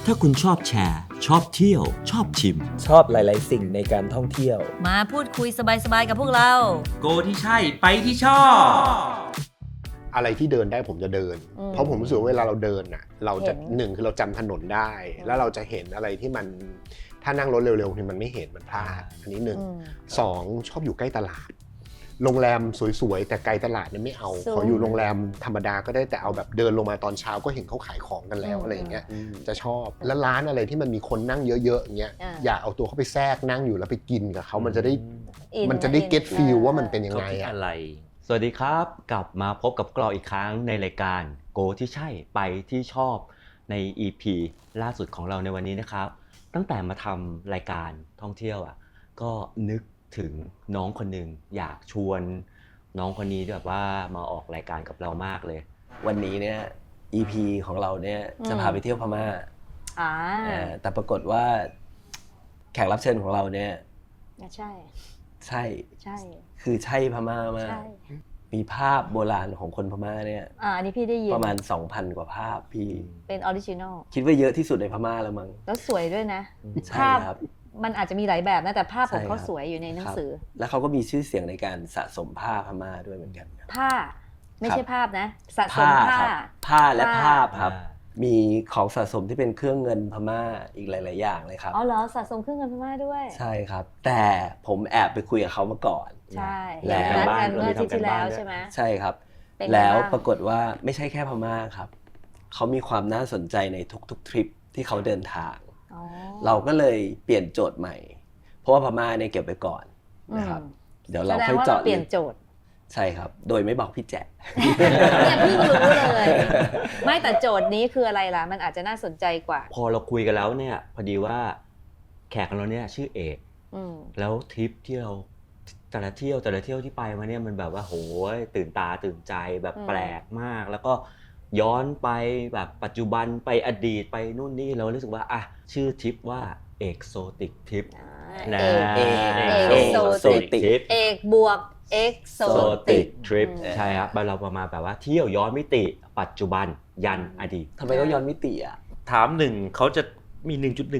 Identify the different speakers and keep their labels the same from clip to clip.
Speaker 1: ถ้าคุณชอบแชร์ ชอบเที่ยว ชอบชิม
Speaker 2: ชอบหลาย ๆ สิ่งในการท่องเที่ยว
Speaker 3: มาพูดคุยสบายๆกับพวกเรา
Speaker 4: โกที่ใช่ไปที่ชอบ
Speaker 5: อะไรที่เดินได้ผมจะเดิน เพราะผมรู้สึกว่าเวลาเราเดินน่ะเราจะหนึ่งคือเราจำถนนได้ แล้วเราจะเห็นอะไรที่มันถ้านั่งรถเร็วๆนี่มันไม่เห็นมันพลาดอันนี้หนึ่งสองชอบอยู่ใกล้ตลาดโรงแรมสวยๆแต่ไกลตลาดเนี่ยไม่เอาขออยู่โรงแรมธรรมดาก็ได้แต่เอาแบบเดินลงมาตอนเช้าก็เห็นเขาขายของกันแล้วอะไรอย่างเงี้ยจะชอบแล้วร้านอะไรที่มันมีคนนั่งเยอะๆอย่างเงี้ยอยากเอาตัวเข้าไปแทรกนั่งอยู่แล้วไปกินกับเขามันจะได้เก็ตฟีลว่ามันเป็นยังไง
Speaker 4: อะไร
Speaker 1: สวัสดีครับกลับมาพบกับเราอีกครั้งในรายการโกที่ใช่ไปที่ชอบใน EP ล่าสุดของเราในวันนี้นะครับตั้งแต่มาทำรายการท่องเที่ยวก็นึกถึงน้องคนหนึ่งอยากชวนน้องคนนี้แบบว่ามาออกรายการกับเรามากเลย
Speaker 2: วันนี้เนี่ย EP ของเราเนี่ยจะพาไปเที่ยวพม่าแต่ปรากฏว่าแขกรับเชิญของเราเนี่ยใช่คือใช่พม่ามากมีภาพโบราณของคนพม่าเนี่ย
Speaker 3: อันนี้พี่ได้ยิน
Speaker 2: ประมาณ 2,000 กว่าภาพพี่
Speaker 3: เป็นออริจินอล
Speaker 2: คิดว่าเยอะที่สุดในพม่าแล้วมั้ง
Speaker 3: แล้วสวยด้วยนะ
Speaker 2: ภาพ
Speaker 3: มันอาจจะมีหลายแบบนะแต่ภาพของเขาสวยอยู่ในหนังสือ
Speaker 2: แล้วเขาก็มีชื่อเสียงในการสะสมผ้าพม่าด้วยเหมือนกัน
Speaker 3: ผ้าไม่ใช่ภาพนะสะสม
Speaker 2: ผ้าและภาพครับมีของสะสมที่เป็นเครื่องเงินพม่าอีกหลายๆอย่างเลยครับ
Speaker 3: อ๋อเหรอสะสมเครื่องเงินพม่าด้วย
Speaker 2: ใช่ครับแต่ผมแอบไปคุยกับเขามาก่อน
Speaker 3: ใช่แล้วกันเมื่ออาทิตย์ที่แล้วใช่ไหม
Speaker 2: ใช่ครับแล้วปรากฏว่าไม่ใช่แค่พม่าครับเขามีความน่าสนใจในทุกๆทริปที่เขาเดินทางเราก็เลยเปลี่ยนโจทย์ใหม่เพราะว่าพม่าเนี่ยเก็บไปก่อนนะครับเดี๋ยวเราค่อยเจาะ
Speaker 3: เปลี่ยนโจทย์
Speaker 2: ใช่ครับโดยไม่บอกพี่แจ๊
Speaker 3: เนี่ยพี่รู้เลยไม่แต่โจทย์นี้คืออะไรล่ะมันอาจจะน่าสนใจกว่า
Speaker 1: พอเราคุยกันแล้วเนี่ยพอดีว่าแขกของเราเนี่ยชื่อเอกแล้วทริปที่เราแต่ละเที่ยวที่ไปมาเนี่ยมันแบบว่าโหยตื่นตาตื่นใจแบบแปลกมากแล้วก็ย้อนไปแบบปัจจุบันไปอดีตไปนู่นนี่เรารู้สึกว่าชื่อทริปว่าเอกโซติกทริป
Speaker 3: นะเอกโซติกเอกบวกเอกโซติก
Speaker 1: ทริปใช่ครับเราประมาณแบบว่าเที่ยวย้อนมิติปัจจุบันยันอดีต
Speaker 2: ทำไมต้องย้อนมิติ
Speaker 4: ถามหนึ่งเขาจะมี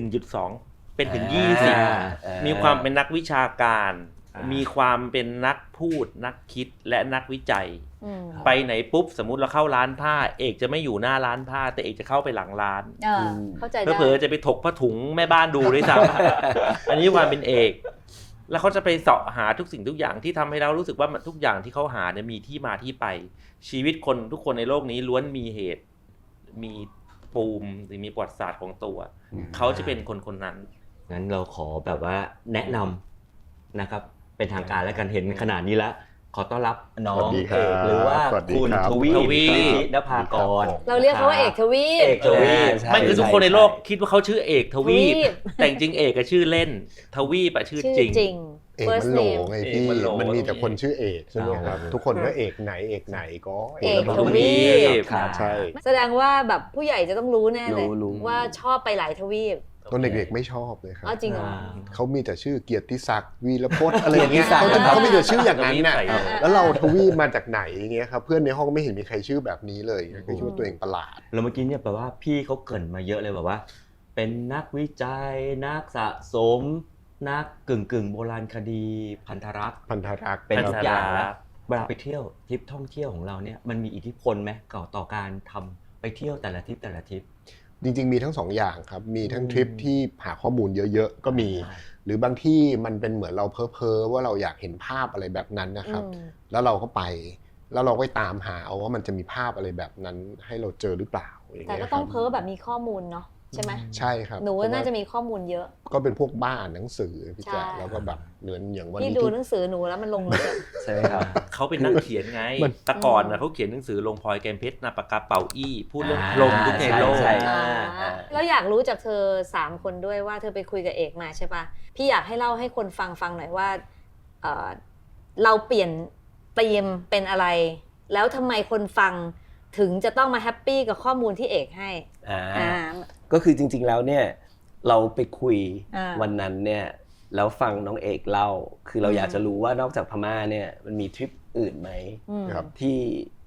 Speaker 4: 1.1.2 เป็นถึง20มีความเป็นนักวิชาการมีความเป็นนักพูดนักคิดและนักวิจัยไปไหนปุ๊บสมมุติเราเข้าร้านผ้าเอกจะไม่อยู่หน้าร้านผ้าแต่เอกจะเข้าไปหลังร้าน
Speaker 3: เข้าใจได้
Speaker 4: เผลอๆจะไปถกผ้าถุงแม่บ้านดูด้วยซ้ำอันนี้ความเป็นเอกแล้วเขาจะไปเสาะหาทุกสิ่งทุกอย่างที่ทำให้เรารู้สึกว่าทุกอย่างที่เขาหาเนี่ยมีที่มาที่ไปชีวิตคนทุกคนในโลกนี้ล้วนมีเหตุมีปูมหรือมีประวัติศาสตร์ของตัวเขาจะเป็นคนนั้น
Speaker 1: งั้นเราขอแบบว่าแนะนำนะครับเป็นทางการแล้วกันเห็นขนาดนี้แล้วขอต้อนรับน้องเอกหรือว่าคุณทวีนภากร
Speaker 3: เราเรียกเขาว่าเอกทวี
Speaker 4: ไม่คือทุกคนในโลกคิดว่าเขาชื่อเอกทวีแต่จริงเอกก็ชื่อเล่นทวีปชื่อจริง
Speaker 5: เอกมันโหลไงพี่มันมีแต่คนชื่อเอกใช่ไหมครับทุกคนก็เอกไหนก็
Speaker 3: เอกทวี
Speaker 5: ใช่
Speaker 3: แสดงว่าแบบผู้ใหญ่จะต้องรู้แน่เลยว่าชอบไปหลายทวีป
Speaker 5: ตอนเด็กๆไม่ชอบเลยครับ
Speaker 3: จริงเหรอ
Speaker 5: เขามีแต่ชื่อเกียรติศักดิ์วีรพจน์อะไรอย่างเงี้ยเขามีแต่ชื่ออย่างนั้นน่ะแล้วเราทวีมาจากไหนอย่างเงี้ยครับเพื่อนในห้องก็ไม่เห็นมีใครชื่อแบบนี้เลยก็คิดว่าตัวเองประหลาด
Speaker 1: แล้วเมื่อกี้เนี่ยแปลว่าพี่เขาเกริ่นมาเยอะเลยแบบว่าเป็นนักวิจัยนักสะสมนักกึ่งโบราณคดีพันธรักษ์เป็นทุกอย่างแล้วเวลาไปเที่ยวทริปท่องเที่ยวของเราเนี่ยมันมีอิทธิพลไหมต่อการทำไปเที่ยวแต่ละทริป
Speaker 5: จริงๆมีทั้ง2อย่างครับมีทั้งทริปที่หาข้อมูลเยอะๆก็มีหรือบางที่มันเป็นเหมือนเราเพ้อว่าเราอยากเห็นภาพอะไรแบบนั้นนะครับแล้วเราก็ไปแล้วเราก็ตามหาเอาว่ามันจะมีภาพอะไรแบบนั้นให้เราเจอหรือเปล่า
Speaker 3: แต่ก็ต้องเพ้อแบบมีข้อมูลเนาะใช่ไหม
Speaker 5: ใช่ครับ
Speaker 3: หนูน่าจะมีข้อมูลเยอะ
Speaker 5: ก็เป็นพวกบ้าอ่านหนังสือพี่แจ๊คแล้วก็แบบเหมือนอย่างวันนี้
Speaker 3: พี่ดูหนังสือหนูแล้วมันลงเลย
Speaker 2: ใช่ครับ
Speaker 4: เขาเป็นนักเขียนไงแต่ก่อนเขาเขียนหนังสือลงพลอยแกมเพชรนาปากกาเป่าอี้พูดเรื่องลมทุกในโลก
Speaker 3: แล้วอยากรู้จากเธอ3คนด้วยว่าเธอไปคุยกับเอกมาใช่ปะพี่อยากให้เล่าให้คนฟังหน่อยว่าเราเปลี่ยนธีมเป็นอะไรแล้วทำไมคนฟังถึงจะต้องมาแฮปปี้กับข้อมูลที่เอกให้
Speaker 2: ก็คือจริงๆแล้วเนี่ยเราไปคุยวันนั้นเนี่ยแล้วฟังน้องเอกเล่าคือเราอยากจะรู้ว่านอกจากพม่าเนี่ยมันมีทริปอื่นไหมที่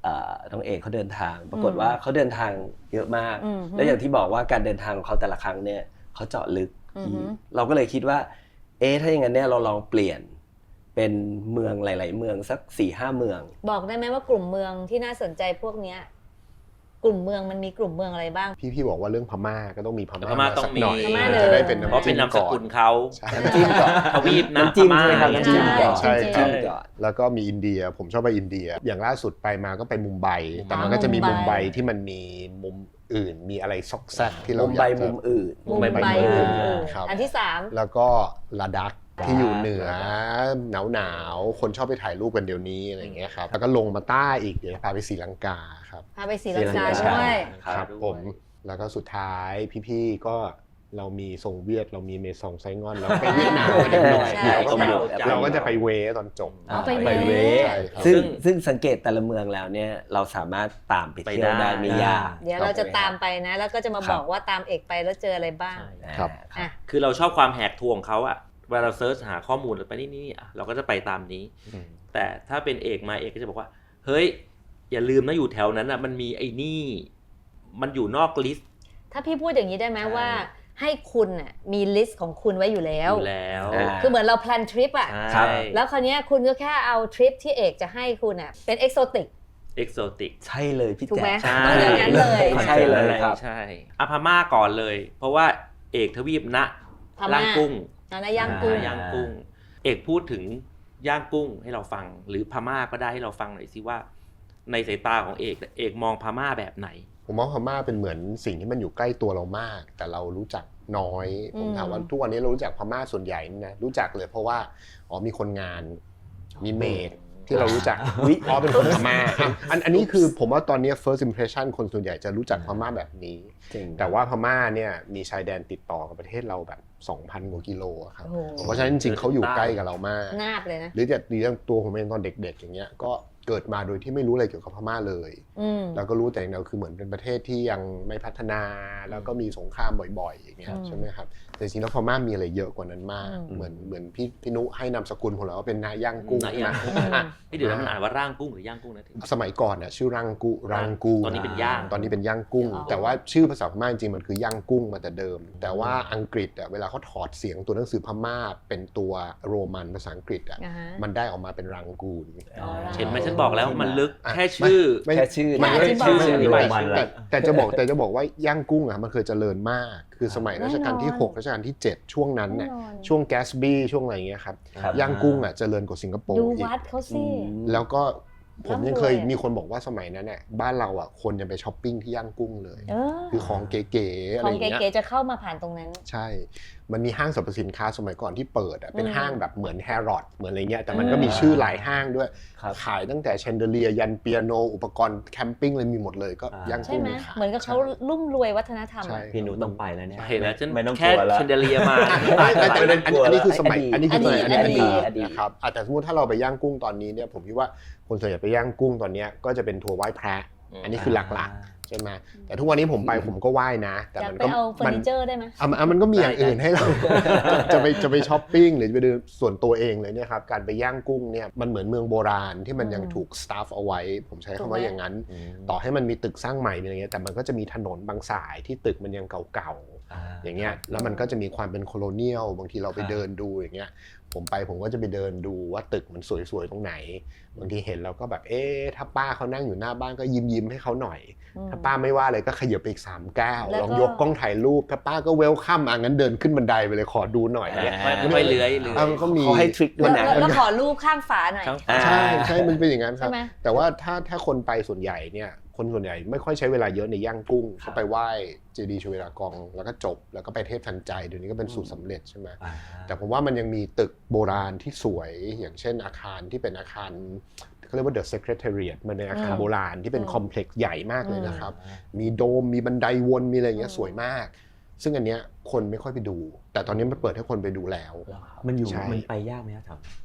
Speaker 2: น้องเอกเขาเดินทางปรากฏว่าเขาเดินทางเยอะมากแล้วอย่างที่บอกว่าการเดินทางของเขาแต่ละครั้งเนี่ยเขาเจาะลึกเราก็เลยคิดว่าถ้าอย่างนั้นเนี่ยเราลองเปลี่ยนเป็นเมืองหลายๆเมืองสัก 4-5 เมือง
Speaker 3: บอกได้ไหมว่ากลุ่มเมืองที่น่าสนใจพวกเนี้ยกลุ่มเมืองมันมีกลุ่มเมืองอะไรบ้าง
Speaker 5: พี่บอกว่าเรื่องพม่าก็ต้องมีพม่า
Speaker 4: ต้องมี
Speaker 5: สักหน่อยจะได้เป็น
Speaker 4: เพราะเป็นนามสกุลเขา
Speaker 2: น้ำจิ้มก่อน
Speaker 4: ทวีปนะ
Speaker 2: น้ำจิ้ม
Speaker 4: พม่า
Speaker 2: ใช่ไหมครับน้ำจิ้มก่อน
Speaker 5: ใช่
Speaker 2: น้ำจิ้มก่อน
Speaker 5: แล้วก็มีอินเดียผมชอบไปอินเดียอย่างล่าสุดไปมาก็ไปมุมไบแต่มันก็จะมีมุมไบที่มันมีมุมอื่นมีอะไรซอกแซกที่เราอยากจะ
Speaker 2: มุมอื่น
Speaker 3: มุมไบ
Speaker 5: ครับ
Speaker 3: อันที่3
Speaker 5: แล้วก็ลาดักที่อยู่เหนือหนาวคนชอบไปถ่ายรูปกันเดี๋ยวนี้อะไรอย่างเงี้ยครับแล้วก็ลงมาใต้อีกเดี๋ยวพาไปศรีลังกาครับ
Speaker 3: พาไปศรีลังกาด้วย
Speaker 5: ครับผมแล้วก็สุดท้ายพี่ๆก็เรามีทรงเวียดเรามีเมซองไซงอนเราไปเวียดนามกันนิดหน่อยเราก็จะไปเวตอนจบ
Speaker 3: ไปเว
Speaker 2: ซึ่งสังเกตแต่ละเมืองแล้วเนี่ยเราสามารถตามไปเที่ยวได้ไม่ยาก
Speaker 3: เดี๋ยวเราจะตามไปนะแล้วก็จะมาบอกว่าตามเอกไปแล้วเจออะไรบ้าง
Speaker 5: ครับ
Speaker 4: คือเราชอบความแหกทวงเขาอะเวลาเราเซิร์ชหาข้อมูลไปนี่เราก็จะไปตามนี้แต่ถ้าเป็นเอกมาเอกก็จะบอกว่าเฮ้ยอย่าลืมนะอยู่แถวนั้นอะมันมีไอ้นี่มันอยู่นอกลิสต์
Speaker 3: ถ้าพี่พูดอย่างนี้ได้ไหมว่าให้คุณน่ะมีลิสต์ของคุณไว้อยู่แล้วคือเหมือนเราแพลนทริปอ่ะแล้วคราวนี้คุณก็แค่เอาทริปที่เอกจะให้คุณอ่ะเป็นเอกโซติก
Speaker 2: ใช่เลยพี่แจ๊ค
Speaker 3: ต้องอย่างนั้นเลย
Speaker 2: ใช่เลยครับ
Speaker 4: ใช่พม่าก่อนเลยเพราะว่าเอกทวีปนะย่างกุ้ง
Speaker 3: ย่าง
Speaker 4: กุ้งเอกพูดถึงย่างกุ้งให้เราฟังหรือพม่าก็ได้ให้เราฟังหน่อยสิว่าในสายตาของเอกมองพม่าแบบไหน
Speaker 5: ผมมองพม่าเป็นเหมือนสิ่งที่มันอยู่ใกล้ตัวเรามากแต่เรารู้จักน้อยผมถามว่าทุกวันนี้เรารู้จักพม่าส่วนใหญ่นะรู้จักเลยเพราะว่ามีคนงานมีเมดที่เรารู้จักเป็นคนพม่าอันนี้คือผมว่าตอนนี้ first impression คนส่วนใหญ่จะรู้จักพม่าแบบนี้แต่ว่าพม่าเนี่ยมีชายแดนติดต่อกับประเทศเราแบบ 2,000 กว่ากิโลครับเพราะฉะนั้นจริงๆเขาอยู่ใกล้กับเรามาก
Speaker 3: นาบเลยนะ
Speaker 5: หรืออย่างตัวผมเองตอนเด็กๆอย่างเงี้ยก็เกิดมาโดยที่ไม่รู้อะไรเกี่ยวกับพม่าเลยแล้วก็รู้แต่เราคือเหมือนเป็นประเทศที่ยังไม่พัฒนาแล้วก็มีสงครามบ่อยๆอย่างเงี้ยใช่ไหมครับแต่จริงๆแล้วพม่ามีอะไรเยอะกว่านั้นมากเหมือนพี่นุให้นามสกุลผมแล้วว่าเป็นนาย่างกุ้ง
Speaker 4: พี่เดี๋ยวมันอ่านว่าร่างกุ้งหรือย่างกุ้งนะ
Speaker 5: สมัยก่อนน่ะชื่อรังกู
Speaker 4: ตอนนี้เป็นย่
Speaker 5: างกุ้งแต่ว่าชื่อภาษาพม่าจริงๆมันคือย่างกุ้งมาแต่เดิมแต่ว่าอังกฤษเวลาเขาถอดเสียงตัวหนังสือพม่าเป็นตัวโรมันภาษาอังกฤษมันได้ออกมาเป็นรังกูน
Speaker 4: เห็นไหมฉันบอกแล้วมันลึกแค่ชื่อ
Speaker 5: มันแต่จะบอกว่าย่างกุ้งมันเคยเจริญมากคือสมัยรัชกาลที่6รัชกาลที่7ช่วงนั้นเนี่ยช่วงแกสบี้ช่วงอะไรอย่างเงี้ยครับย่างกุ้งเจริญกว่าสิงคโปร์
Speaker 3: ดูวัดเขาสิ
Speaker 5: แล้วก็ผมยังเคยมีคนบอกว่าสมัยนั้นเนี่ยบ้านเราคนยังไปช้อปปิ้งที่ย่างกุ้งเลยคือของเก๋ๆอะไรอย่างเงี้ย
Speaker 3: ของเก๋ๆจะเข้ามาผ่านตรงนั้น
Speaker 5: ใช่มันมีห้างสรรพสินค้าสมัยก่อนที่เปิดเป็นห้างแบบเหมือนแฮร์รอดเหมือนอะไรเงี้ยแต่มันก็มีชื่อหลายห้างด้วยขายตั้งแต่แชนเดเลียยันเปียโนอุปกรณ์แคมปิ้งเลยมีหมดเลยก็ย่างกุ้ง
Speaker 3: เหมือนกับเขารุ่มรวยวัฒนธรรม
Speaker 1: พี่หนูต้องไปแล้วเนี่ย
Speaker 4: เห็นแล้วฉันแค่แชนเดเลียมา
Speaker 5: อันนี้คือสมัยอันนี้ครับแต่สมมติถ้าเราไปย่างกุ้งตอนนี้เนี่ยผมคิดว่าคนส่วนใหญ่ไปย่างกุ้งตอนนี้ก็จะเป็นทัวร์ไหว้พระอันนี้คือหลักๆใช่ไหมแต่ทุกวันนี้ผมไปผมก็ไหว้นะแต่มันก็
Speaker 3: เอาเฟอร์นิเจอร์ได้ไหม
Speaker 5: มันก็มีอย่างอื่นให้เราจะไปช้อปปิ้งหรือจะไปดูส่วนตัวเองเลยเนี่ยครับการไปย่างกุ้งเนี่ยมันเหมือนเมืองโบราณที่มันยังถูกสตาฟเอาไว้ผมใช้คำว่าอย่างนั้นต่อให้มันมีตึกสร้างใหม่อะไรเงี้ยแต่มันก็จะมีถนนบางสายที่ตึกมันยังเก่าๆอย่างเงี้ยแล้วมันก็จะมีความเป็นโคโลเนียลบางทีเราไปเดินดูอย่างเงี้ยผมก็จะไปเดินดูว่าตึกมันสวยๆตรงไหนบางทีเห็นเราก็แบบถ้าป้าเขานั่งอยู่หน้าบ้านก็ยิ้มให้เขาหน่อยถ้าป้าไม่ว่าอะไรก็ขยับไปอีก3 ก้าวลองยกกล้องถ่ายรูปถ้าป้าก็เวลคัมงั้นเดินขึ้นบันไดไปเลยขอดูหน่อย
Speaker 4: ไม่เลื้อย
Speaker 5: มันก็มี
Speaker 2: เขาให้ทริคด้วยนะ
Speaker 3: แล้วขอรูปข้างฝาหน่อย
Speaker 5: ใช่มันเป็นอย่างนั้นครับแต่ว่าถ้าคนไปส่วนใหญ่เนี่ยคนส่วนใหญ่ไม่ค่อยใช้เวลาเยอะในย่างกุ้งเขาไปไหว้เจดีย์ชเวดากองแล้วก็จบแล้วก็ไปเทพทันใจเดี๋ยวนี้ก็เป็นสูตรสำเร็จใช่ไหมแต่ผมว่ามันยังมีตึกโบราณที่สวยอย่างเช่นอาคารที่เป็นอาคารเขาเรียกว่า The Secretariat มันเป็นอาคารโบราณที่เป็นคอมเพล็กซ์ใหญ่มากเลยนะครับมีโดมมีบันไดวนมีอะไรอย่างเงี้ยสวยมากซึ่งอันเนี้ยคนไม่ค่อยไปดูแต่ตอนนี้มันเปิดให้คนไปดูแล้ว
Speaker 1: มันไปยากไหมครับ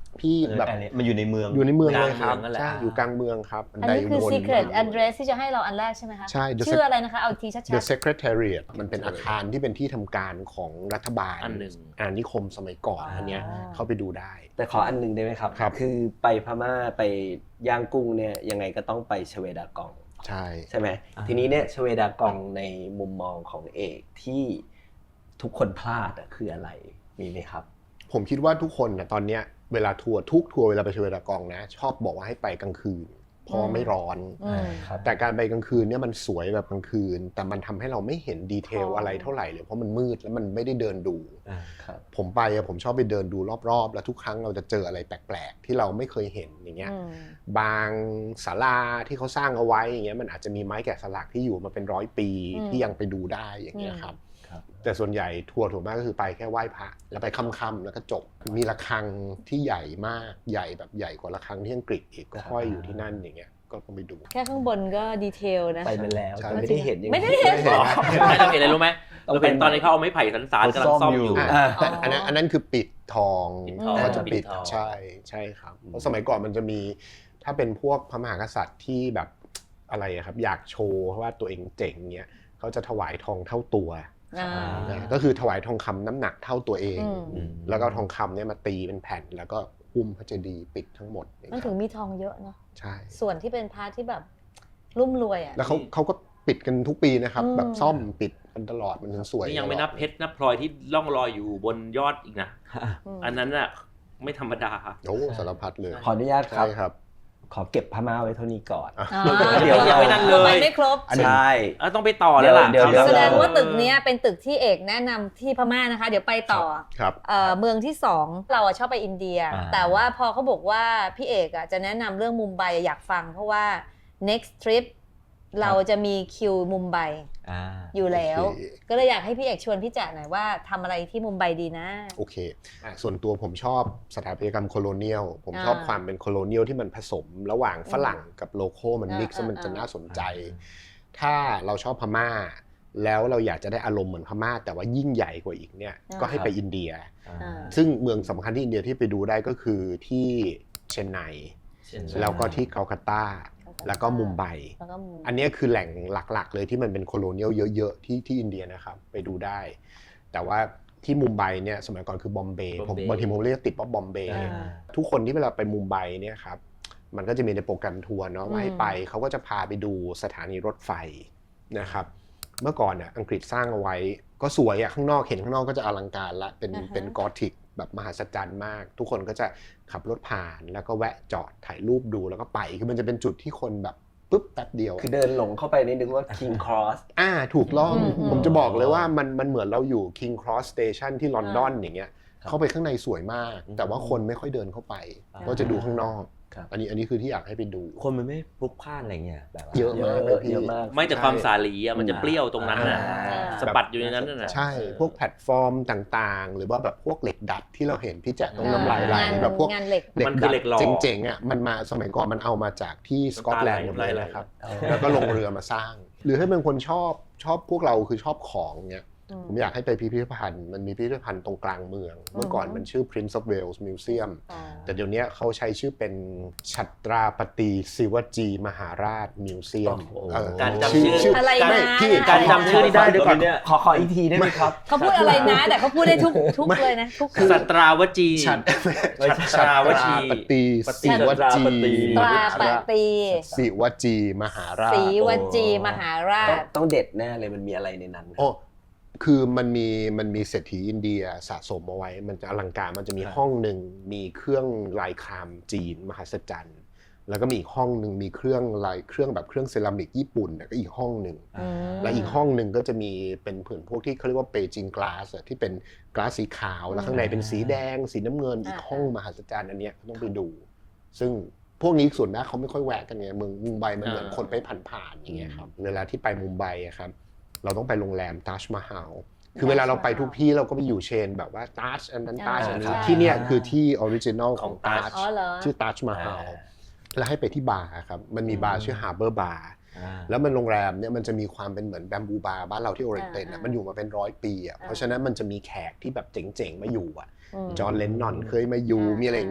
Speaker 5: พี่แบบ
Speaker 1: มันอยู่ในเมือง
Speaker 5: อยู่ในเมืองเลยครับ
Speaker 4: กลางเมืองนั่นแหละ
Speaker 5: ใช่อยู่กลางเมืองครับ
Speaker 3: อันนี้คือ
Speaker 5: วน
Speaker 3: secret address ที่จะให้เราอันแรกใช่ไหมคะ
Speaker 5: ใช่
Speaker 3: ชื่ออะไรนะคะเอาทีชัด
Speaker 5: The Secretariat มันเป็นอาคารที่เป็นที่ทำการของรัฐบาล
Speaker 4: อันหนึ่ง
Speaker 5: อาณานิคมสมัยก่อนอันเนี้ยเข้าไปดูได้
Speaker 2: แต่ขออันหนึงได้ไหมครับ
Speaker 5: ครับ
Speaker 2: คือไปพม่าไปย่างกุ้งเนี่ยยังไงก็ต้องไปชเวดากอง
Speaker 5: ใช่
Speaker 2: ไหมทีนี้เนี่ยชเวดากองในมุมมองของเอกที่ทุกคนพลาดคืออะไรมีไหมครับ
Speaker 5: ผมคิดว่าทุกคนนะตอนเนี้ยเวลาทัวร์ทุกทัวร์เวลาไปชเวดากองนะชอบบอกว่าให้ไปกลางคืนเพราะไม่ร้อน
Speaker 2: ครับ
Speaker 5: แต่การไปกลางคืนเนี่ยมันสวยแบบกลางคืน แต่มันทำให้เราไม่เห็นดีเทลอะไรเท่าไหร่เลยเพราะมันมืดแล้วมันไม่ได้เดินดู
Speaker 2: ครับ
Speaker 5: ผมไปผมชอบไปเดินดูรอบๆแล้วทุกครั้งเราจะเจออะไรแปลกๆที่เราไม่เคยเห็นอย่างเงี้ยบางศาลาที่เขาสร้างเอาไว้อย่างเงี้ยมันอาจจะมีไม้แกะสลักที่อยู่มาเป็น100 ปีที่ยังไปดูได้อย่างเงี้ยครับแต่ส่วนใหญ่ทัวร์ถูกมากก็คือไปแค่ไหว้พระแล้วไปค่ำๆแล้วก็จบมีระฆังที่ใหญ่มากใหญ่แบบใหญ่กว่าระฆังที่อังกฤษอีกก็ห้อยอยู่ที่นั่นอย่างเงี้ยก็ต้องไปดู
Speaker 3: แค่ข้างบนก็ดีเทลนะ
Speaker 2: ไปมาแล้ว
Speaker 5: ใช่
Speaker 2: แต่ไม่ได้เห็นอย่าง
Speaker 3: ไม่ได้เห็น
Speaker 4: ไม่เราเห็นอะไรรู้ไหมเราเห็นตอนนี้เขาเอาไม้ไผ่สานๆกำลังซ่อมอยู่
Speaker 5: แต่อันนั้นคือปิดทอง
Speaker 4: ปิดทอง
Speaker 5: เขาจะปิด
Speaker 4: ปิดทอง
Speaker 5: ใช่ครับเพราะสมัยก่อนมันจะมีถ้าเป็นพวกพระมหากษัตริย์ที่แบบอะไรอะครับอยากโชว์ว่าตัวเองเจ๋งเงี้ยเขาจะถวายทองเท่าตัวก็คือถวายทองคำน้ำหนักเท่าตัวเองแล้วก็ทองคำเนี่ยมาตีเป็นแผ่นแล้วก็หุ้มพระเจดีย์ปิดทั้งหมด
Speaker 3: มันถึงมีทองเยอะเนาะ
Speaker 5: ใช่
Speaker 3: ส่วนที่เป็นพาร์ทที่แบบรุ่มรวยอ่ะ
Speaker 5: แล้วเขาก็ปิดกันทุกปีนะครับแบบซ่อมปิดกันตลอดมันถึงสวย
Speaker 4: นี่ยังไม่นับเพชรนับพลอยที่ล่องลอยอยู่บนยอดอีกนะ อันนั้นน่ะไม่ธรรมดา
Speaker 5: โอ้สารพัดเลย
Speaker 2: ขออนุญาตครับ
Speaker 5: ใช่ครับ
Speaker 2: ขอเก็บพม่าไว้เท่านี้ก่อน
Speaker 4: เดี๋ยวยังไม่นั่นเลย
Speaker 3: ไปไม่ครบ
Speaker 2: ใช่
Speaker 4: ต้องไปต่อแล้วล่ะ
Speaker 2: เดี๋ยว
Speaker 3: แสดงว่าตึกเนี้ยเป็นตึกที่เอกแนะนำที่พม่านะคะ เดี๋ยวไปต่อ
Speaker 5: ครับ
Speaker 3: เมืองที่2เราชอบไปอินเดีย แต่ว่าพอเขาบอกว่าพี่เอกจะแนะนำเรื่องมุมไบอยากฟังเพราะว่า next trip เราจะมีคิวมุมไบอยู่แล้ว
Speaker 5: โอเค
Speaker 3: ก็เลยอยากให้พี่เอกชวนพี่แจ๋หน่อยว่าทำอะไรที่มุมไบดีนะ
Speaker 5: โอเคส่วนตัวผมชอบสถาปัตยกรรมโคโลเนียลผมชอบความเป็นโคโลเนียลที่มันผสมระหว่างฝรั่งกับโลโก้มันมิกซ์มันจะน่าสนใจ ถ้าเราชอบพม่าแล้วเราอยากจะได้อารมณ์เหมือนพม่าแต่ว่ายิ่งใหญ่กว่าอีกเนี่ยก็ให้ไปอินเดียซึ่งเมืองสำคัญที่อินเดียที่ไปดูได้ก็คือที่เชนไนแล้วก็ที่กัลกัตตาแล้วก็มุมไบอันนี้คือแหล่งหลักๆเลยที่มันเป็นโคโลเนียลเยอะๆที่อินเดียนะครับไปดูได้แต่ว่าที่มุมไบเนี่ยสมัยก่อนคือบอมเบย์บางทีผมเรียกติดว่าบอมเบย์ทุกคนที่เวลาไปมุมไบเนี่ยครับมันก็จะมีในโปรแกรมทัวร์เนาะว่าให้ไปเขาก็จะพาไปดูสถานีรถไฟนะครับเมื่อก่อนอังกฤษสร้างเอาไว้ก็สวยข้างนอกเห็นข้างนอกก็จะอลังการละเป็นกอธิกแบบมหัศจรรย์มากทุกคนก็จะขับรถผ่านแล้วก็แวะจอดถ่ายรูปดูแล้วก็ไปคือมันจะเป็นจุดที่คนแบบปุ๊บแป๊บเดียว
Speaker 2: คือเดินหลงเข้าไปนี่นึกว่า King Cross
Speaker 5: ถูกต้องผมจะบอกเลยว่ามันเหมือนเราอยู่ King Cross Station ที่ลอนดอนอย่างเงี้ยเข้าไปข้างในสวยมากแต่ว่าคนไม่ค่อยเดินเข้าไปก็จะดูข้างนอกอันนี้คือที่อยากให้ไปดู
Speaker 1: คนมันไม่พลุกพล่านอะไรเงี้ยแบบ
Speaker 5: เยอะมากเลยพี่
Speaker 4: ไม่แต่ความสาลีมันจะเปรี้ยวตรงนั้นน่ะสะบัดอยู่ในนั้นน่ะ
Speaker 5: ใช่พวกแพลตฟอร์มต่างๆหรือว่าแบบพวกเหล็กดัดที่เราเห็นพี่แจ๊คต้องน้ำลายไหลแบบพวก
Speaker 3: งานเหล็ก
Speaker 4: มันคือเหล็กหล่อ
Speaker 5: เจ๋งๆมันมาสมัยก่อนมันเอามาจากที่สกอตแลนด์หมดเลยนะครับแล้วก็ลงเรือมาสร้าง หรือให้เป็นคนชอบพวกเราคือชอบของเงี้ยผมอยากให้ไปพิพิธภัณฑ์มันมีพิพิธภัณฑ์ตรงกลางเมืองเมื่อก่อนมันชื่อ Prince of Wales Museum แต่เดี๋ยวนี้เขาใช้ชื่อเป็นชัตราปฏิศิวจีมหาราชมิวเซียม
Speaker 4: การจำชื่อ
Speaker 3: อะไรนะ
Speaker 4: การจำชื่อนี่ได้ด้วยก่อน
Speaker 2: ขออีกทีได้ไหมครับ
Speaker 3: เขาพูดอะไรนะแต่เขาพูดได้ทุกเลยนะทุก
Speaker 4: สัตราวจี
Speaker 5: ชัตราวจีปฏิศิวจี
Speaker 3: ตราปฏิ
Speaker 5: ศิวจีมหาราช
Speaker 3: ศรีวจีมหาราช
Speaker 2: ต้องเด็ดแน่เลยมันมีอะไรในนั้น
Speaker 5: คือมันมีเศรษฐีอินเดียสะสมเอาไว้มันจะอลังการมันจะมีห้องหนึ่งมีเครื่องลายครามจีนมหัศจรรย์แล้วก็มีอีกห้องหนึ่งมีเครื่องแบบเครื่องเซรามิกญี่ปุ่นก็อีกห้องหนึ่งและอีกห้องหนึ่งก็จะมีเป็นผืนพวกที่เขาเรียกว่าเปจิงกลาสที่เป็นกลาสสีขาวแล้วข้างในเป็นสีแดงสีน้ำเงินอีกห้องมหัศจรรย์อันนี้ต้องไปดูซึ่งพวกนี้ส่วนมากเขาไม่ค่อยแวะกันไงเมืองมุมไบมันเหมือนคนไปผ่านๆอย่างเงี้ยครับเวลาที่ไปมุมไบครับเราต้องไปโรงแรมตัชมาฮาลคือเวลาเราไปทุกที่เราก็ไปอยู่เชนแบบว่าตัชอันนั้นตัชอันนี้ที่เนี่ยคือที่ออริจินอลของตัชชื่อตัชมาฮาลแล้วให้ไปที่บาร์ครับมันมีบาร์ชื่อฮาร์เบอร์บาร์แล้วมันโรงแรมเนี่ยมันจะมีความเป็นเหมือนแบมบูบาร์บ้านเราที่โอเรนเตนมันอยู่มาเป็น100 ปีเพราะฉะนั้นมันจะมีแขกที่แบบเจ๋งๆมาอยู่จอห์นเลนนอนเคยมาอยู่มีอะไรอย่างเงี้ย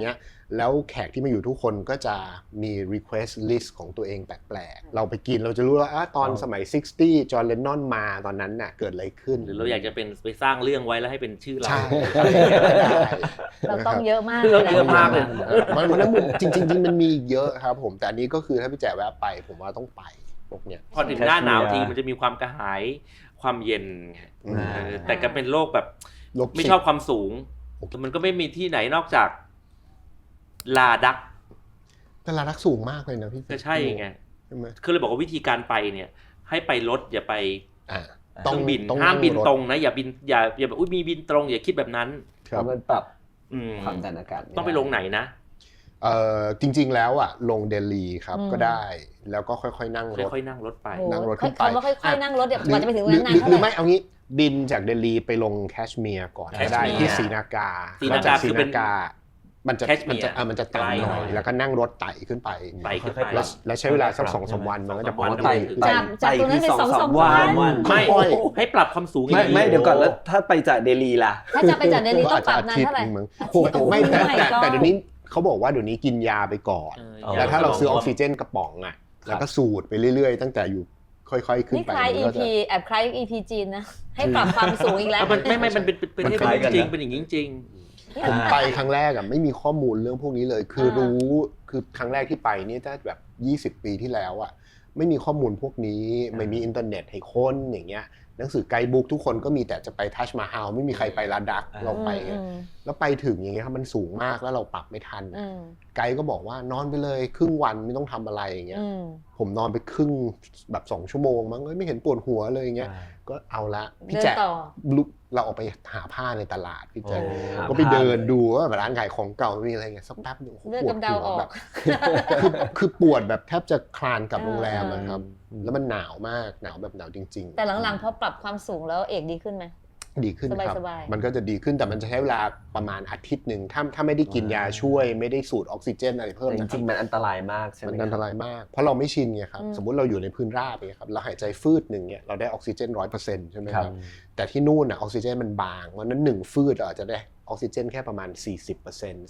Speaker 5: แล้วแขกที่มาอยู่ทุกคนก็จะมี request list ของตัวเองแปลกๆเราไปกินเราจะรู้ว่าตอนสมัย 60 จอห์น เลนนอนมาตอนนั้นน่ะเกิดอะไรขึ้น
Speaker 4: หรือเราอยากจะเป็นไปสร้างเรื่องไว้แล้วให้เป็นชื่อเรา
Speaker 5: ใช่
Speaker 3: เราต้องเยอะมาก
Speaker 4: เราเยอะมากเลย
Speaker 5: มันนั้นจริงๆมันมีเยอะครับผมแต่อันนี้ก็คือถ้าพี่แจ๋แวะไปผมว่าต้องไปพวกเนี้ย
Speaker 4: พอถึงหน้าหนาวทีมันจะมีความกระหายความเย็นไง แต่ก็เป็นโรคแบบไม่ชอบความสูงแต่มันก็ไม่มีที่ไหนนอกจากลาดัก
Speaker 5: แต่ลาดักสูงมากเลยนะพี่
Speaker 4: ก็ใช่ไง
Speaker 5: ใช่ไหม
Speaker 4: คือเลยบอกว่าวิธีการไปเนี่ยให้ไปรถอย่าไป
Speaker 2: ๆ
Speaker 4: เครื่องบิน
Speaker 5: ต้อง
Speaker 4: ห้ามบิน
Speaker 5: นั่งรถ
Speaker 4: ตรงนะอย่าบินอย่าแบบมีบินตรงอย่าคิดแบบนั้น
Speaker 5: ค
Speaker 2: เพ
Speaker 5: รับ
Speaker 2: ราะมันปรับ
Speaker 4: อืม
Speaker 2: ความดันอากาศม่ด้
Speaker 4: ต้องไปลงไหนนะ
Speaker 5: จริงๆแล้วลงเดลีครับก็ได้แล้วก็ค่อยๆนั่งรถ
Speaker 4: ค่อยๆนั่งรถไป
Speaker 3: โอ้โห
Speaker 5: นั่งรถขึ้นไป
Speaker 3: คำว่าค่อยๆนั่งรถเดี๋ยวกว่าจะไปถึง
Speaker 5: หรือ
Speaker 3: นั้นนานเท่า
Speaker 5: หรือ
Speaker 3: ไห
Speaker 5: ไม่
Speaker 3: ร่
Speaker 5: เอางี้บินจากเดลีไปลงแคชเมียร์ก่อนก็ได้
Speaker 4: แคชเมียร์
Speaker 5: ที่ศรีนากา
Speaker 4: ศรีนากา
Speaker 5: แล้วจ
Speaker 4: คือเป็น
Speaker 5: มันจะ
Speaker 4: แคชเมียร์
Speaker 5: มันจะต่ำหน่อย
Speaker 4: ไกลหน่อย
Speaker 5: แล้วก็นั่งรถไต่ขึ้นไป
Speaker 4: ไปขึ้นไป
Speaker 5: แล้วใช้เวลาสัก2-3 วันมันก็จะ
Speaker 4: 2-3 วัน
Speaker 5: ไป
Speaker 3: จากตรงนั้นไปสองวัน
Speaker 4: ไม่
Speaker 5: ค่อย
Speaker 4: ให้ปรับความสูง
Speaker 2: ไม่เดี๋ยวก่อนแล้วถ้าไปจากเดลีล่ะ
Speaker 3: ถ้าจะไปจากเดลีต้องปรับนาน
Speaker 5: ทิต
Speaker 3: เท่าไหร่
Speaker 5: มึง
Speaker 3: อาทิตย์
Speaker 5: ไม่แต่
Speaker 3: โอ้ my god
Speaker 5: เดี๋ยวนี้เขาบอกว่าเดี๋ยวนี้กินยาไปก่อน แล้วถ้าเราซื้อออกซิเจนกระป๋องแล้วก็สูดไปเรื่อยๆตั้งแต่อยู่ค่อยๆขึ้น
Speaker 3: นี่
Speaker 5: ไป
Speaker 3: คล้าย
Speaker 5: มันก็
Speaker 3: EP
Speaker 5: จะ
Speaker 3: แอบคล้าย EP จีนนะ ให้ปรับความสูงอีกแล้ว
Speaker 4: มันมันเป็นเป็น
Speaker 1: มัน
Speaker 4: ให้
Speaker 1: คล้ายกัน
Speaker 4: จริง
Speaker 1: นะ
Speaker 4: เป็นอย่างนี้จริง
Speaker 5: ผมไปครั้งแรกไม่มีข้อมูลเรื่องพวกนี้เลย คือรู้คือครั้งแรกที่ไปนี่ถ้าแบบ20 ปีที่แล้วไม่มีข้อมูลพวกนี้ไม่มีอินเทอร์เน็ตให้ค้นอย่างเงี้ยหนังสือไกด์บุ๊กทุกคนก็มีแต่จะไปทัชมาฮาลไม่มีใครไปลาดักเราไปแล้วไปถึงอย่างเงี้ยครับมันสูงมากแล้วเราปรับไม่ทันไกด์ก็บอกว่านอนไปเลยครึ่งวันไม่ต้องทำอะไรอย่างเงี้ยผมนอนไปครึ่งแบบ2 ชั่วโมงมั้งไม่เห็นปวดหัวเลยอย่างเงี้ยก็เอาละพี่แจ๊ลุกเราออกไปหาผ้าในตลาดพี่แจ๊ก็ไปเดินดูว่าร้านขายของเก่ามีอะไรเงี้ยสักแป๊บนึงปวดหัวแบบคือปวดแบบแทบจะคลานกลับโรงแรมนะครับแล้วมันหนาวมากหนาวแบบหนาวจริงๆ
Speaker 3: แต่หลังๆพอปรับความสูงแล้วเอกดีขึ้นไหม
Speaker 5: ดีขึ้นครับ
Speaker 3: สบายๆ
Speaker 5: มันก็จะดีขึ้นแต่มันจะใช้เวลาประมาณอาทิตย์หนึ่งถ้าไม่ได้กินยาช่วยไม่ได้สูดออกซิเจนอะไรเพิ่ม
Speaker 2: จ
Speaker 5: นะค
Speaker 2: ริ
Speaker 5: รับ
Speaker 2: งๆมันอันตรายมากใช่ไหม
Speaker 5: มันอันตรายมากเพราะเราไม่ชินไงครับสมมุติเราอยู่ในพื้นราบเนี่ยครับเราหายใจฟืดหนึ่งเนี่ยเราได้ออกซิเจน 100% ใช่ไหมครับแต่ที่นู่นออกซิเจนมันบางเพราะนั้น1ฟืดเราอาจจะได้ออกซิเจนแค่ประมาณ 40%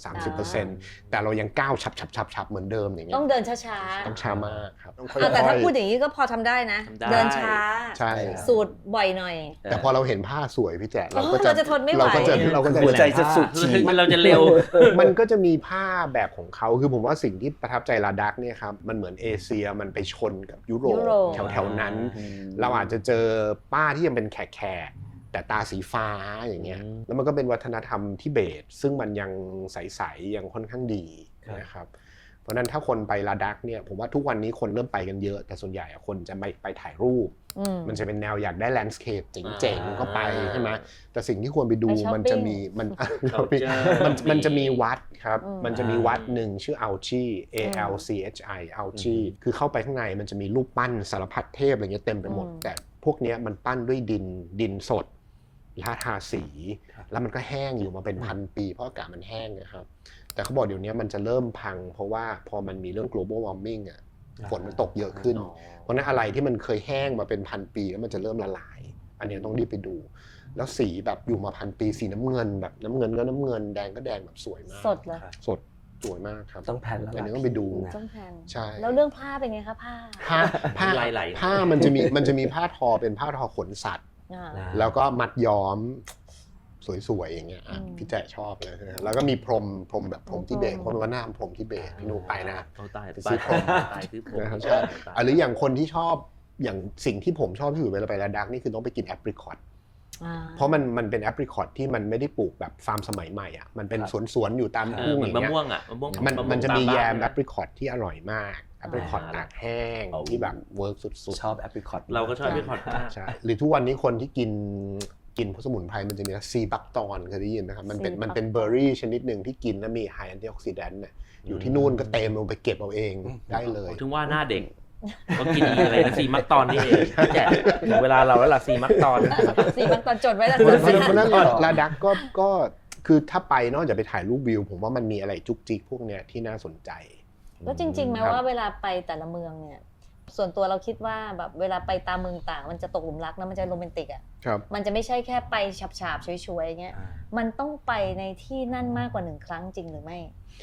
Speaker 5: 30%แต่เรายังก้าวฉับเหมือนเดิมอย่างเงี้ย
Speaker 3: ต้องเดินช้าๆ
Speaker 5: ต้องช้ามากครับต้องค่อย
Speaker 3: แต่ถ้าพูดอย่างนี้ก็พอทำได้นะ
Speaker 4: ทำได้
Speaker 3: เดินช้า
Speaker 5: ใช่
Speaker 3: สูตรบ่อยหน่อย
Speaker 5: แต่พอเราเห็นผ้าสวยพี่แจ๊เรา
Speaker 3: เราจะทนไม่ไหว
Speaker 5: เราก็จะ
Speaker 2: หัวใจจะสุด
Speaker 4: คือ
Speaker 2: ฉีด
Speaker 4: เราจะเร็ว
Speaker 5: มันก็จะมีผ้าแบบของเขาคือผมว่าสิ่งที่ประทับใจลาดักเนี่ยครับมันเหมือนเอเชียมันไปชนกับยุโรปแถวๆนั้น เราอาจจะเจอป้าที่ยังเป็นแขกแต่ตาสีฟ้าอย่างเงี้ยแล้วมันก็เป็นวัฒนธรรมทิเบตซึ่งมันยังใสๆยังค่อนข้างดีนะครับเพราะนั้นถ้าคนไปลาดักเนี่ยผมว่าทุกวันนี้คนเริ่มไปกันเยอะแต่ส่วนใหญ่คนจะไปถ่ายรูปมันจะเป็นแนวอยากได้แลนด์สเคปเจ๋งๆก็ไปใช่ไหมแต่สิ่งที่ควรไปดูมันจะมีมันจะมีวัดครับมันจะมีวัดหนึ่งชื่ออัลชี ALCHI อัลชีคือเข้าไปข้างในมันจะมีรูปปั้นสารพัดเทพอะไรเงี้ยเต็มไปหมดแต่พวกเนี้ยมันปั้นด้วยดินสดทาสีแล้วมันก็แห้งอยู่มาเป็นพันปีเพราะอากาศมันแห้งนะครับแต่เขาบอกเดี๋ยวนี้มันจะเริ่มพังเพราะว่าพอมันมีเรื่อง global warming ฝนมันตกเยอะขึ้นเพราะนั้นอะไรที่มันเคยแห้งมาเป็นพันปีแล้วมันจะเริ่มละลายอันนี้ต้องรีบไปดูแล้วสีแบบอยู่มาพันปีสีน้ำเงินแบบน้ำเงินก็น้ำเงินแดงก็แดงแบบสวยมาก
Speaker 3: สดเลย
Speaker 5: สดสวยมากครับ
Speaker 2: ต้องแพลนแล้ว
Speaker 5: อันนี้ต้องไปดู
Speaker 3: ต้องแพน
Speaker 5: ใช่
Speaker 3: แล้วเรื่องผ้าเป็นไงคะผ้า
Speaker 5: ผ้ามันจะมีผ้าทอเป็นผ้าทอขนสัตว์แล้วก็มัดย้อมสวยๆอย่างเงี้ยพี่แจ๊ชอบเลยนะแล้วก็มีพรมแบบพรมทิเบตคนว่าหน้าพรมทิเบตพี่นูไปนะ
Speaker 4: ตาย
Speaker 5: ไปซื้อพรม
Speaker 4: ตายซื้อผม
Speaker 5: ใช่หรืออย่างคนที่ชอบอย่างสิ่งที่ผมชอบที่สุดเวลาไปลาดักนี่คือต้องไปกินแอปริคอตเพราะมันเป็นแอปริคอตที่มันไม่ได้ปลูกแบบฟาร์มสมัยใหม่มันเป็นสวนอยู่ตามทุ่งอย่าง
Speaker 4: มะ
Speaker 5: เงี้ย
Speaker 4: ม่วง
Speaker 5: มันจะมีแยมแอ
Speaker 4: แบบ
Speaker 5: ปริคอตที่อร่อยมากแอปริคอตตากแห้งที่แบบเวิร์กสุดๆ
Speaker 2: ชอบแอปริคอต
Speaker 4: เราก็ชอบแอปริคอตมาก
Speaker 5: ใช่หรือทุกวันนี้คนที่กินพวกสมุนไพรมันจะมีซีบักตอนเคยได้ยินนะครับมันเป็นเบอร์รี่ชนิดหนึ่งที่กินแล้วมีไฮแอนตี้ออกซิแดนต์อยู่ที่นู่นก็เต็มลงไปเก็บเอาเองได้เลย
Speaker 4: ถึงว่าหน้าเด็กก็กินอะไรนะซีมักตอนนี่เองแจกถึงเวลาเราแล้วล่ะซีมักตอน
Speaker 3: สีมันตอนจดไว้แล้ว
Speaker 5: เพราะนั้นลาดักก็คือถ้าไปนอกจากไปถ่ายรูปวิวผมว่ามันมีอะไรจุกจิกพวกเนี้ยที่น่าสนใจ
Speaker 3: แล้วจริงๆไหมว่าเวลาไปแต่ละเมืองเนี่ยส่วนตัวเราคิดว่าแบบเวลาไปตามเมืองต่างมันจะตกหลุมรักนะมันจะโรแมนติกอ่ะมันจะไม่ใช่แค่ไปฉาบๆช่วยๆอย่างเงี้ยมันต้องไปในที่นั่นมากกว่า1 ครั้งจริงหรือไม่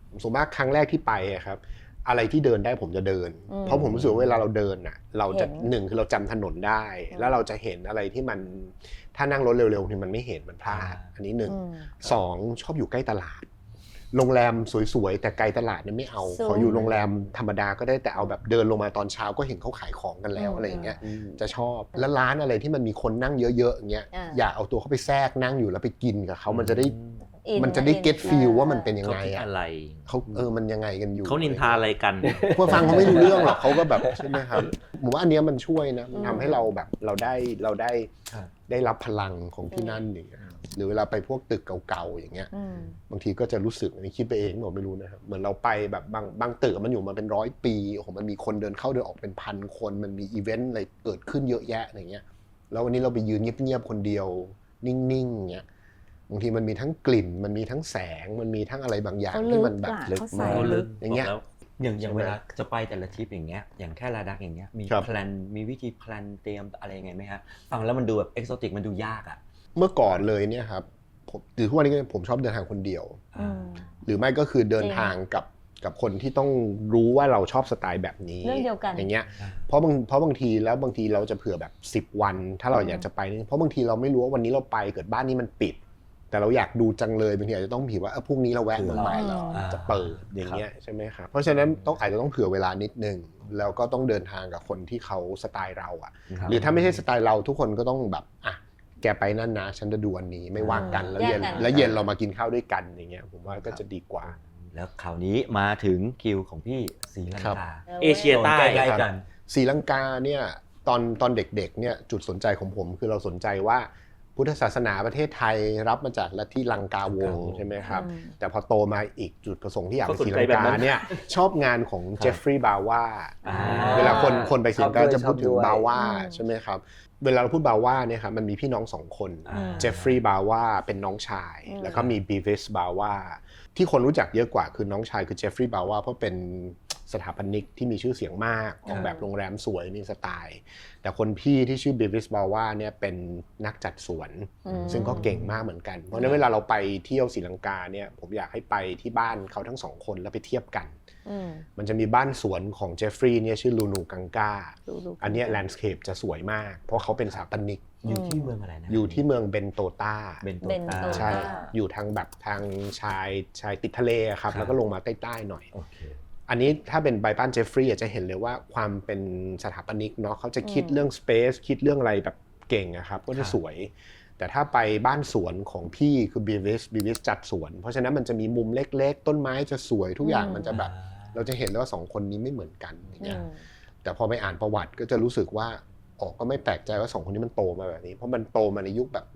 Speaker 5: ส่วนมากครั้งแรกที่ไปอะครับอะไรที่เดินได้ผมจะเดิน เพราะผมรู้สึกว่าเวลาเราเดินน่ะเราจะหนึ่งคือเราจำถนนได้ แล้วเราจะเห็นอะไรที่มันถ้านั่งรถเร็วๆนี่มันไม่เห็นมันพลาดอันนี้หนึ่งสองชอบอยู่ใกล้ตลาดโรงแรมสวยๆแต่ไกลตลาดเนี่ยไม่เอาขออยู่โรงแรมธรรมดาก็ได้แต่เอาแบบเดินลงมาตอนเช้าก็เห็นเขาขายของกันแล้วอะไรอย่างเงี้ยจะชอบแล้วร้านอะไรที่มันมีคนนั่งเยอะๆอย่างเงี้ยอยากเอาตัวเข้าไปแทรกนั่งอยู่แล้วไปกินกับเขามันจะได้เก็ตฟีลว่ามันเป็นยังไงอะ
Speaker 4: อะไร
Speaker 5: เขามันยังไงกันอยู่
Speaker 4: เขานินทาอะไรกัน
Speaker 5: ผู้ฟังเขาไม่รู้เรื่องหรอกเขาก็แบบใช่ไหมครับผมว่าอันเนี้ยมันช่วยนะมันทำให้เราแบบเราได้รับพลังของที่นั่นอย่างเงี้ยหรือเวลาไปพวกตึกเก่าๆอย่างเงี้ยบางทีก็จะรู้สึกอันนี้คิดไปเองผมไม่รู้นะครับเหมือนเราไปแบบบางตึกมันอยู่มาเป็น100 ปีโอ้โหมันมีคนเดินเข้าเดินออกเป็น1,000 คนมันมีอีเวนต์อะไรเกิดขึ้นเยอะแยะอย่างเงี้ยแล้ววันนี้เราไปยืนเงียบๆคนเดียวนิ่งๆเงี้ยบางทีมันมีทั้งกลิ่นมันมีทั้งแสงมันมีทั้งอะไรบางอย่างที่มันแบบ
Speaker 2: ลึกมาก
Speaker 5: อย่างเงี้ย
Speaker 1: อย่างเวลาจะไปแต่ละทริปอย่างเงี้ยอย่างแค่ลาดักอย่างเงี้ยมีแพลนมีวิธีแพลนเตรียมอะไรยังไงไหมครับฟังแล้วมันดูแบบเอกโซติกมันดูยากอ่ะ
Speaker 5: เมื่อก่อนเลยเนี่ยครับหรือทุกวันนี้ผมชอบเดินทางคนเดียวหรือไม่ก็คือเดินทางกับคนที่ต้องรู้ว่าเราชอบสไตล์แบบนี้
Speaker 3: เรื่องเดียวกัน
Speaker 5: อย่างเงี้ยเพราะบางทีเราจะเผื่อแบบ10 วันถ้าเราอยากจะไปเพราะบางทีเราไม่รู้ว่าวันนี้เราไปเกิดบ้านนี้มันปิดแต่เราอยากดูจังเลยบางทีอาจจะต้องผิดว่าพรุ่งนี้เราแวะเมืองใหม่เราจะเปิดอย่างเงี้ยใช่ไหมครับเพราะฉะนั้นอาจจะต้องเผื่อเวลานิดนึงแล้วก็ต้องเดินทางกับคนที่เขาสไตล์เราอ่ะหรือถ้าไม่ใช่สไตล์เราทุกคนก็ต้องแบบแกไปนั่นนะฉันจะดูอันนี้ไม่ว่ากันแล้วเย็นเรามากินข้าวด้วยกันอย่างเงี้ยผมว่าก็จะดีกว่า
Speaker 1: แล้วคราวนี้มาถึงคิวของพี่ศรีลังกา
Speaker 4: เอเชียใต้
Speaker 1: ใกล้กัน
Speaker 5: ศรีลังกาเนี่ยตอนเด็กๆเนี่ยจุดสนใจของผมคือเราสนใจว่าพุทธศาสนาประเทศไทยรับมาจากลัทธิลังกาวงศ์ใช่ไหมครับแต่พอโตมาอีกจุดประสงค์ที่อยากไปศรีลังกาเนี่ยชอบงานของเจฟฟรีย์บาวาเวลาคนไปศรีลังกาจะพูดถึงบาวาใช่ไหมครับเวลาเราพูดบาวาเนี่ยครับมันมีพี่น้อง2 คนเจฟฟรีย์บาวาเป็นน้องชายแล้วก็มีบีวิสบาวาที่คนรู้จักเยอะกว่าคือน้องชายคือเจฟฟรีย์บาวาเพราะเป็นสถาปนิกที่มีชื่อเสียงมากออกแบบโรงแรมสวยมีสไตล์แต่คนพี่ที่ชื่อบีวิสบาวาเนี่ยเป็นนักจัดสวนซึ่งก็เก่งมากเหมือนกันเพราะฉะนั้นเวลาเราไปเที่ยวศรีลังกาเนี่ยผมอยากให้ไปที่บ้านเขาทั้ง2 คนแล้วไปเทียบกันมันจะมีบ้านสวนของเจฟฟรีย์เนี่ยชื่อลูนูกังกาอันนี้แลนด์สเคปจะสวยมากเพราะเขาเป็นสถาปนิก
Speaker 1: อยู่ที่เมืองอะไรนะ
Speaker 5: อยู่ที่เมืองเบนโตตาใช่อยู่ทางแบบทางชายติดทะเลครับแล้วก็ลงมาใต้ๆหน่อยอันนี้ถ้าเป็นบ้านเจฟฟรีย์จะเห็นเลยว่าความเป็นสถาปนิกเนาะเขาจะคิดเรื่องสเปซคิดเรื่องอะไรแบบเก่งครับก็จะสวยแต่ถ้าไปบ้านสวนของพี่คือบีวิสจัดสวนเพราะฉะนั้นมันจะมีมุมเล็กๆต้นไม้จะสวยทุกอย่างมันจะแบบเราจะเห็นเลยว่า2 คนนี้ไม่เหมือนกันอย่างเงี้ยแต่พอไปอ่านประวัติก็จะรู้สึกว่าก็ไม่แปลกใจว่า2 คนนี้มันโตมาแบบนี้เพราะมันโตมาในยุคแบบ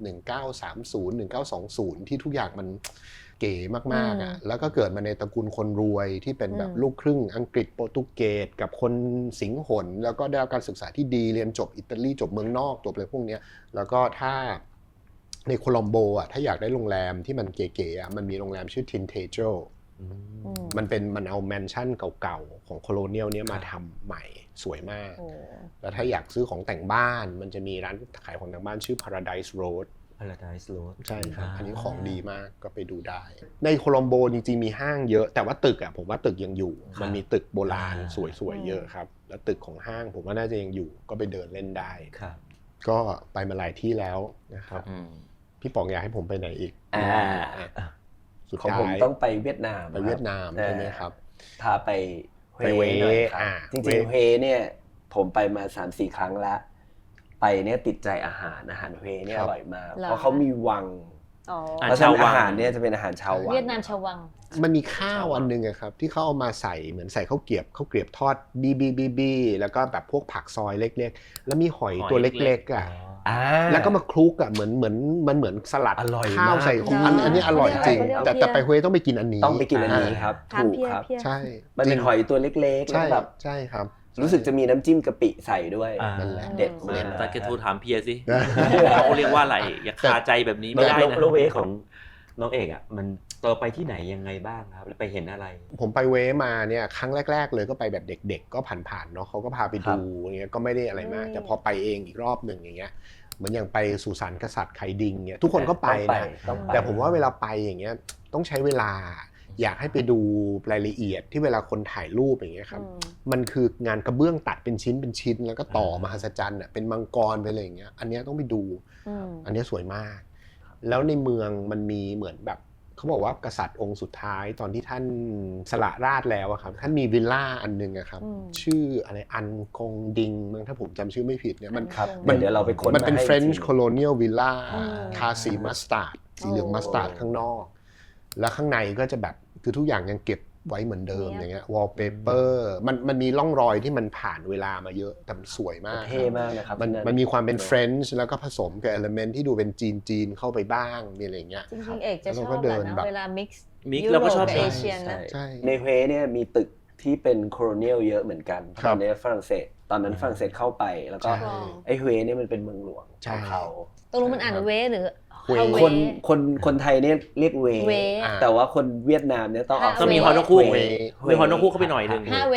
Speaker 5: 1930 1920ที่ทุกอย่างมันเก๋มากๆแล้วก็เกิดมาในตระกูลคนรวยที่เป็นแบบลูกครึ่งอังกฤษโปรตุเกสกับคนสิงหนแล้วก็ได้รับการศึกษาที่ดีเรียนจบอิตาลีจบเมืองนอกจบอะไรพวกนี้แล้วก็ถ้าในโคลัมโบถ้าอยากได้โรงแรมที่มันเก๋ๆมันมีโรงแรมชื่อ Tintejo มันเอาแมนชั่นเก่าๆของโคโลเนียลเนี้ยมาทำใหม่สวยมากแล้วถ้าอยากซื้อของแต่งบ้านมันจะมีร้านขายของแต่งบ้านชื่อ Paradise Road ใช่ครับอันนี้ของดีมากก็ไปดูได้ในโคลัมโบจริงๆมีห้างเยอะแต่ว่าตึกผมว่าตึกยังอยู่มันมีตึกโบราณสวยๆเยอะครับแล้วตึกของห้างผมว่าน่าจะยังอยู่ก็ไปเดินเล่นได้ก็ไปมาหลายที่แล้วนะครับพี่ป๋องอยากให้ผมไปไหนอีก
Speaker 2: สุดท้ายของผมต้องไปเวียดนาม
Speaker 5: ใช่ไหมครับ
Speaker 2: พาไปเวหน่อยครับจริงๆเวเนี่ยผมไปมา 3-4 ครั้งแล้วไปเนี่ยติดใจอาหารเวเนี่ยอร่อยมากเพราะเขามีวังเพราะฉะนั้นอาหารเนี่ยจะเป็นอาหารชาววัง
Speaker 3: เวียดนามชาววัง
Speaker 5: มันมีข้าวอันนึงครับที่เขาเอามาใส่เหมือนใส่ข้าวเกรียบทอดบีแล้วก็แบบพวกผักซอยเล็กๆแล้วมีหอยตัวเล็กๆแล้วก็มาคลุกเหมือนสลัดข้าวใส่อันนี้อร่อยจริงแต่ไปเวต้องไปกินอันนี้
Speaker 2: ครับถูกครับ
Speaker 5: ใช่
Speaker 2: มันเป็นหอยตัวเล็กๆแล้วแบบ
Speaker 5: ใช่ครับ
Speaker 2: รู้สึกจะมีน้ำจิ้มกะปิใส่ด้วย
Speaker 5: นั่นแหละ
Speaker 2: เด็ด
Speaker 4: แต่แกโทรถามเพียสิเขาเรียกว่าอะไรอย่าคาใจแบบนี้ไม่ได้นะ
Speaker 1: แล้วเวของน้องเอกมันต่อไปที่ไหนยังไงบ้างครับแล้วไปเห็นอะไร
Speaker 5: ผมไปเวมาเนี่ยครั้งแรกๆเลยก็ไปแบบเด็กๆก็ผ่านๆเนาะเขาก็พาไปดูอย่างเงี้ยก็ไม่ได้อะไรมากแต่พอไปเองอีกรอบหนึ่งอย่างเงี้ยเหมือนอย่างไปสุสานกษัตริย์ไคดิงเนี่ยทุกคนก็ไปนะแต่ผมว่าเวลาไปอย่างเงี้ยต้องใช้เวลาอยากให้ไปดูรายละเอียดที่เวลาคนถ่ายรูปอย่างเงี้ยครับมันคืองานกระเบื้องตัดเป็นชิ้นแล้วก็ต่อมหัศจรรย์เป็นมังกรไปเลยอย่างเงี้ยอันนี้ต้องไปดูอันนี้สวยมากแล้วในเมืองมันมีเหมือนแบบเขาบอกว่ากษัตริย์องค์สุดท้ายตอนที่ท่านสละราชแล้วครับท่านมีวิลล่าอันนึงครับชื่ออะไรอันกงดิงมั้งถ้าผมจำชื่อไม่ผิดเนี่ยมัน
Speaker 2: เดี๋ยวเราไปค้น
Speaker 5: มันเป็น French Colonial Villa ทาสีมัสตาร์ดสีเหลืองมัสตาร์ดข้างนอกแล้วข้างในก็จะแบบคือทุกอย่างยังเก็บไว้เหมือนเดิมอย่างเงี้ยวอลเปเปอร์มันมีร่องรอยที่มันผ่านเวลามาเยอะแต่มันสวยมาก
Speaker 2: เท่มากนะครับ
Speaker 5: มันมีความเป็นเฟรนช์แล้วก็ผสมกับเอลิเมนต์ที่ดูเป็นจีนเข้าไปบ้างมีอะไรเงี้ย
Speaker 3: จริงๆเอกจะชอบแบบเวลามิกซ์
Speaker 4: เราก็ชอบ
Speaker 3: เอเชียนะ
Speaker 2: ในเฮเนี่ยมีตึกที่เป็นโคโลเนียลเยอะเหมือนกันตอนนี้ฝรั่งเศสตอนนั้นฝรั่งเศสเข้าไปแล้วก็ไอ้เฮเนี่ยมันเป็นเมืองหลวงของเขา
Speaker 3: ตรงมันอ่านเวหรือ
Speaker 2: คนไทยเนี่ยเรียกเวแต่ว่าคนเวียดนามเนี่ยต้องออก
Speaker 4: มีฮอนกคู่มีฮอนกคู่เข้าไปหน่อยนึง
Speaker 3: 5 เว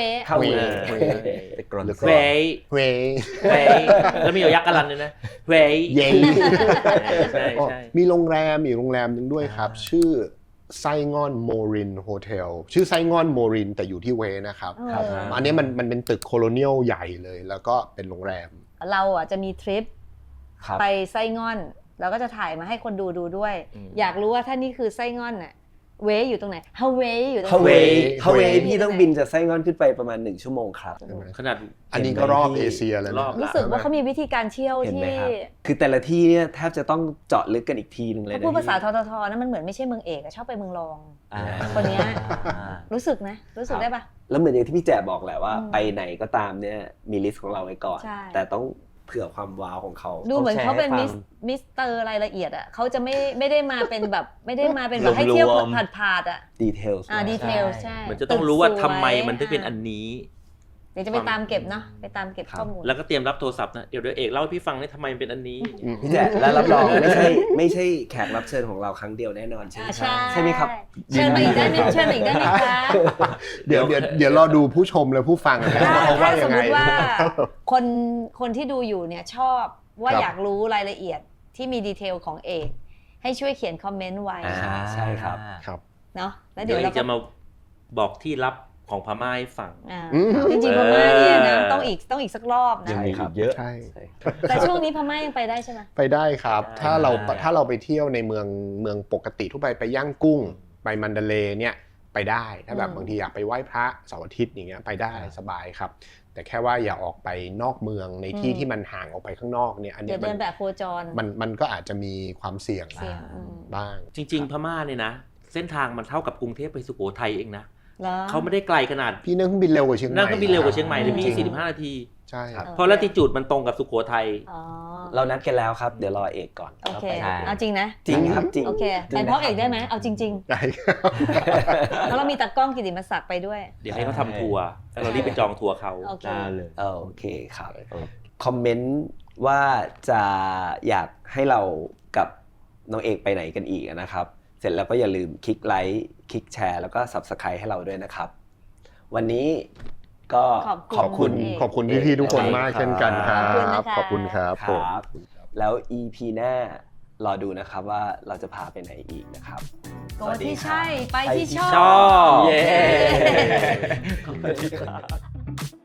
Speaker 4: แล้วมียักษ์กะลันด้วยนะเวใช่
Speaker 5: มีโรงแรมอีกโรงแรมนึงด้วยครับชื่อไซงอนโมรินโฮเทลชื่อไซงอนโมรินแต่อยู่ที่เวนะครับอันนี้มันเป็นตึกโคโลเนียลใหญ่เลยแล้วก็เป็นโรงแรม
Speaker 3: เราจะมีทริปไปไซงอนเราก็จะถ่ายมาให้คนดูด้วยอยากรู้ว่าถ้านี่คือไส้งอนน่ะเวอยู่ตรงไหนฮาวายอยู่ตรงไหน
Speaker 2: ฮาวายพี่ต้องบินจากไส้งอนขึ้นไปประมาณ1ชั่วโมงครับ
Speaker 4: ขนาด
Speaker 5: อันนี้ก็รอบเอเชียแล้ว
Speaker 3: รู้สึกว่าเขามีวิธีการเที่ยวที่
Speaker 2: คือแต่ละที่เนี่ยแทบจะต้องเจาะลึกกันอีกทีนึงเลยนะ
Speaker 3: พูดภาษาททนะมันเหมือนไม่ใช่เมืองเอกชอบไปเมืองรองคนนี้รู้สึกนะรู้สึกได้ปะ
Speaker 2: แล้วเหมือนอย่างที่พี่แจ๋บอกแหละว่าไปไหนก็ตามเนี่ยมีลิสต์ของเราไว้ก่อนแต่ต้องเผื่อความว้าวของเขา
Speaker 3: ดูเหมือนเขาเป็นมิสเตอร์รายละเอียดอ่ะเขาจะไม่ได้มาเป็นแบบไม่ได้มาเป็นแบบให้เที่ยวผ่านๆอ่ะ
Speaker 2: ดีเทล
Speaker 3: ดีเทลใช่
Speaker 4: มันจะต้องรู้ว่าทำไมมันถึงเป็นอันนี้
Speaker 3: เดี๋ยวจะไปตามเก็บเนาะไปตามเก็บข้อมูล
Speaker 4: แล้วก็เตรียมรับโทรศัพท์นะเดี๋ยวเอกเล่าให้พี่ฟังได้ทำไมเป็นอันนี้
Speaker 2: พี่แจ๊แล้วรับรองไม่ใช่แขกรับเชิญของเราครั้งเดียวแน่นอนใช่ไหมครับ
Speaker 3: เชิญมาอีกได้ไหมเชิญมาอีกได้ไหมคะ
Speaker 5: เดี๋ยวรอดูผู้ชมและผู้ฟัง
Speaker 3: ถ้าสมมติว่าคนที่ดูอยู่เนี่ยชอบว่าอยากรู้รายละเอียดที่มีดีเทลของเอกให้ช่วยเขียนคอมเมนต์ไว้
Speaker 2: ใช่ครับ
Speaker 3: เนาะแล้วเดี๋ยวเรา
Speaker 4: จะมาบอกที่ลับของพม่าให้ฟัง
Speaker 3: จริงๆพม่าเนี่ยนะต้องอีกสักรอบนะ
Speaker 2: ยังมีเยอะ
Speaker 3: แต่ช่วงนี้พม่ายังไปได้ใช่ไหม
Speaker 5: ไปได้ครับถ้าเราไปเที่ยวในเมืองปกติทั่วไปย่างกุ้งไปมันดาเลย์เนี่ยไปได้ถ้าแบบบางทีอยากไปไหว้พระเสาร์อาทิตย์อย่างเงี้ยไปได้สบายครับแต่แค่ว่าอย่าออกไปนอกเมืองในที่มันห่างออกไปข้างนอกเนี่ยอันนี้
Speaker 3: เดินแบบโคจร
Speaker 5: มันก็อาจจะมีความเสี่ยงบ้าง
Speaker 4: จริงๆพม่าเนี่ยนะเส้นทางมันเท่ากับกรุงเทพไปสุโขทัยเองนะเขาไม่ได้ไกลขนาด
Speaker 5: พี่นั่งเครื่องบินเร็วกว่าเชียงใหม่
Speaker 4: นั่งเครื่องบินเร็วกว่าเชียงใหม่เลยพี่45 นาที
Speaker 5: ใช่
Speaker 4: เพราะลัติจูดมันตรงกับสุโขทัย
Speaker 2: เรานัดกันแล้วครับเดี๋ยวรอเอกก่อน
Speaker 3: โอเคเอาจริงนะ
Speaker 2: จริงครับจริง
Speaker 3: โอเคแต่พ่อเอกได้ไหมเอาจริงๆได้เพราะเรามีตากล้องกิติมศักดิ์ไปด้วย
Speaker 4: เดี๋ยวให้เขาทำทัวร์แล้วเรารีบไปจองทัวร์เขา
Speaker 3: ได้
Speaker 2: เลยโอเคครับคอมเมนต์ว่าจะอยากให้เรากับน้องเอกไปไหนกันอีกนะครับเสร็จแล้วก็อย่าลืมคลิกไลค์คลิกแชร์แล้วก็ Subscribe ให้เราด้วยนะครับวันนี้ก็
Speaker 5: ขอบคุณพี่ๆทุกคนมากเช่นกันครับขอบคุณครับ
Speaker 2: แล้ว EP หน้ารอดูนะครับว่าเราจะพาไปไหนอีกนะครับ
Speaker 3: โกที่ใช่ไปที่ชอบ
Speaker 4: เย้
Speaker 2: ขอบคุณครับ